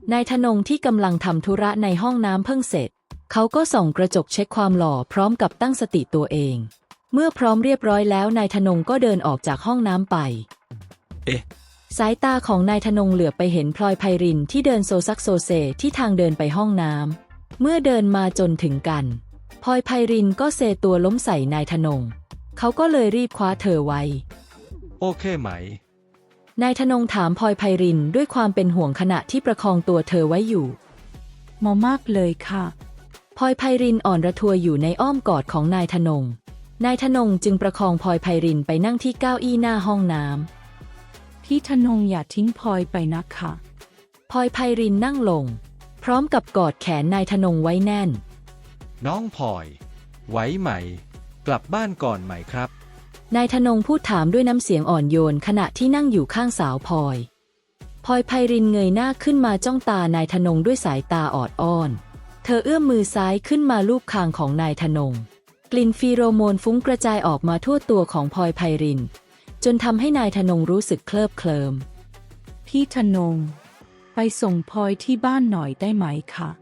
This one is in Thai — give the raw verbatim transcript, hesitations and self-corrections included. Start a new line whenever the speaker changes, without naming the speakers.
นายธนงที่กำลังทำธุระในห้องน้ำเพิ่งเสร็จเขาก็ส่องกระจกเช็คความหล่อพร้อมกับตั้งสติตัวเองเมื่อพร้อมเรียบร้อยแล้วนายธนงก็เดินออกจากห้องน้ำไป
เอ๊ะ
สายตาของนายธนงเหลือบไปเห็นพลอยไพรินที่เดินโซซักโซเซที่ทางเดินไปห้องน้ำเมื่อเดินมาจนถึงกันพลอยไพรินก็เซตัวล้มใส่นายธนงเขาก็เลยรีบคว้าเธอไว้
โอเคไหม
นายธนงถามพลอยไพรินด้วยความเป็นห่วงขณะที่ประคองตัวเธอไว้อยู่
หมอมากเลยค่ะ
พลอยไพรินอ่อนระทวยอยู่ในอ้อมกอดของนายธนงนายธนงจึงประคองพลอยไพรินไปนั่งที่เก้าอี้หน้าห้องน้
ำพี่ธนงอย่าทิ้งพลอยไปนะคะ
พลอยไพรินนั่งลงพร้อมกับกอดแขนนายธนงไว้แน่น
น้องพลอยไหวไหมกลับบ้านก่อนไหมครับ
นายธนงพูดถามด้วยน้ำเสียงอ่อนโยนขณะที่นั่งอยู่ข้างสาวพลอยพลอยไพรินเงยหน้าขึ้นมาจ้องตานายธนงด้วยสายตาออดอ้อนเธอเอื้อมมือซ้ายขึ้นมาลูบคางของนายธนงกลิ่นฟีโรโมนฟุ้งกระจายออกมาทั่วตัวของพลอยไพรินจนทำให้นายธนงรู้สึกเคลิบเคลิ้ม
พี่ธนงไปส่งพลอยที่บ้านหน่อยได้ไหมคะ